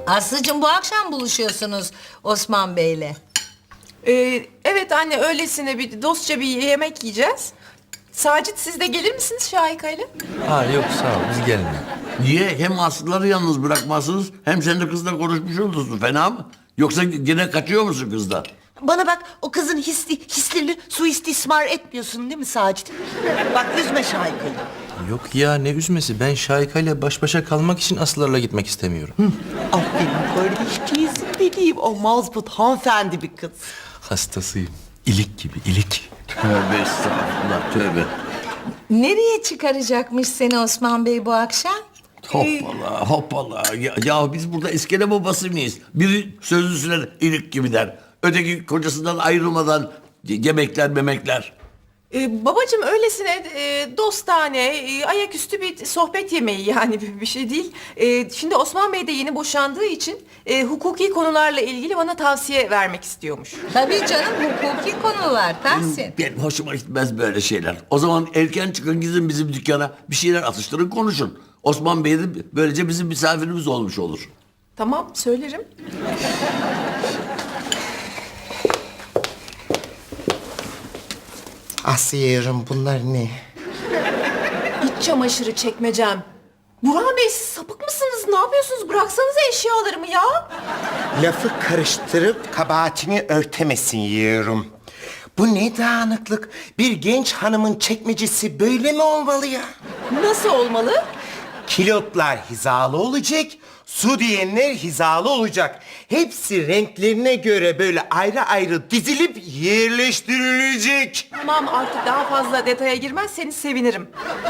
Aslıcığım bu akşam buluşuyorsunuz Osman Bey'le. Evet anne, öylesine bir dostça bir yemek yiyeceğiz. Sacit, siz de gelir misiniz Şahika'yla? Ha yok sağ ol biz gelmiyor. Niye? Hem Aslıları yalnız bırakmazsınız hem sen de kızla konuşmuş olursun. Fena mı? Yoksa yine kaçıyor musun kızdan? Bana bak, o kızın hislerini suistismar etmiyorsun değil mi Sacit? Bak, üzme Şahika'yı. Yok ya ne üzmesi, ben Şahika ile baş başa kalmak için Aslılarla gitmek istemiyorum. Aferin kardeşciğizim benim. O mazbut hanımefendi bir kız. Hastasıyım. İlik gibi ilik. Tövbe estağfurullah tövbe. Nereye çıkaracakmış seni Osman Bey bu akşam? Hoppala hoppala. Ya biz burada iskele babası mıyız? Biri sözlüsüne ilik gibi der. Öteki kocasından ayrılmadan yemekler memekler. Babacığım, öylesine dostane, ayaküstü bir sohbet yemeği, yani bir şey değil. Şimdi Osman Bey de yeni boşandığı için hukuki konularla ilgili bana tavsiye vermek istiyormuş. Tabii canım, hukuki konular Tahsin. Benim hoşuma gitmez böyle şeyler. O zaman erken çıkın gidin bizim dükkana. Bir şeyler atıştırın konuşun. Osman Bey de böylece bizim misafirimiz olmuş olur. Tamam, söylerim. Asiye'rim, bunlar ne? İç çamaşırı çekmecem. Burhan Bey, siz sapık mısınız? Ne yapıyorsunuz? Bıraksanıza eşyalarımı ya. Lafı karıştırıp kabahatini örtemesin yiyorum. Bu ne dağınıklık? Bir genç hanımın çekmecesi böyle mi olmalı ya? Nasıl olmalı? Kilotlar hizalı olacak, su diyenler hizalı olacak. Hepsi renklerine göre böyle ayrı ayrı dizilip yerleştirilecek. Tamam, artık daha fazla detaya girmezseniz sevinirim.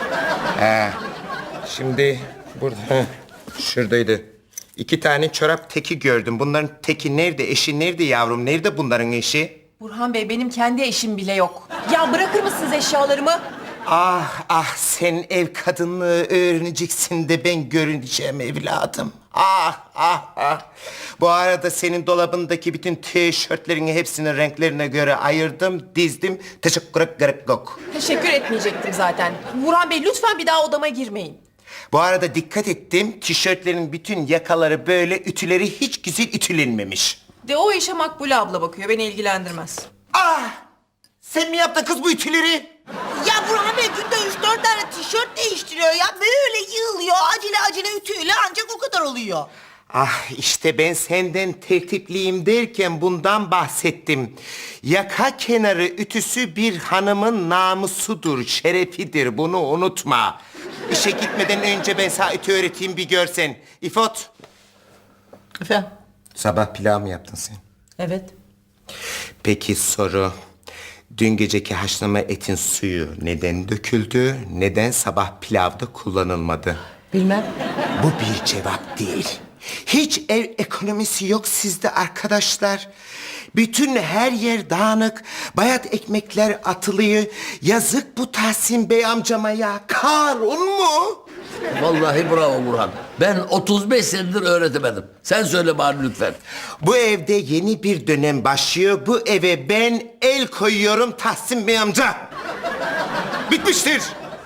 Şimdi burada, şuradaydı. 2 tane çorap teki gördüm. Bunların teki nerede, eşi nerede yavrum? Nerede bunların eşi? Burhan Bey, benim kendi eşim bile yok. Ya bırakır mısınız eşyalarımı? Ah ah, sen ev kadınlığı öğreneceksin de ben görüneceğim evladım. Ah ah ah. Bu arada senin dolabındaki bütün tişörtlerini hepsini renklerine göre ayırdım, dizdim. Teşekkür ederim. Teşekkür etmeyecektim zaten. Burhan Bey, lütfen bir daha odama girmeyin. Bu arada dikkat ettim, tişörtlerin bütün yakaları böyle, ütüleri hiç güzel ütülenmemiş. De o işe Makbule abla bakıyor, beni ilgilendirmez. Ah! Sen mi yaptın kız bu ütüleri? Ya Burhan Bey günde 3-4 tane tişört değiştiriyor ya. Böyle yığılıyor, acele ütüyle ancak o kadar oluyor. Ah işte ben senden tertipliyim derken bundan bahsettim. Yaka kenarı ütüsü bir hanımın namusudur, şerefidir. Bunu unutma. İşe gitmeden önce ben sana ütü öğreteyim bir görsen. İfot. Efendim? Sabah pilav mı yaptın sen? Evet. Peki soru. Dün geceki haşlama etin suyu neden döküldü? Neden sabah pilavda kullanılmadı? Bilmem. Bu bir cevap değil. Hiç ev ekonomisi yok sizde arkadaşlar. Bütün her yer dağınık. Bayat ekmekler atılıyor. Yazık bu Tahsin Bey amcama ya. Karun mu? Vallahi bravo Burhan. Ben 35 senedir öğretemedim. Sen söyle bari lütfen. Bu evde yeni bir dönem başlıyor. Bu eve ben el koyuyorum Tahsin Bey amca. Bitmiştir.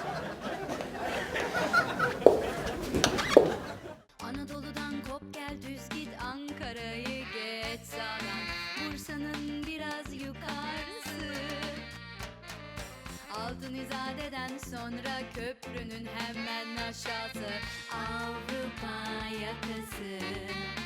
Anadolu'dan kop gel düz git, Ankara'yı geç sağdan, Bursa'nın biraz yukarısı, Altın İzade'den sonra köprünün hemen aşağısı, Avrupa yakası.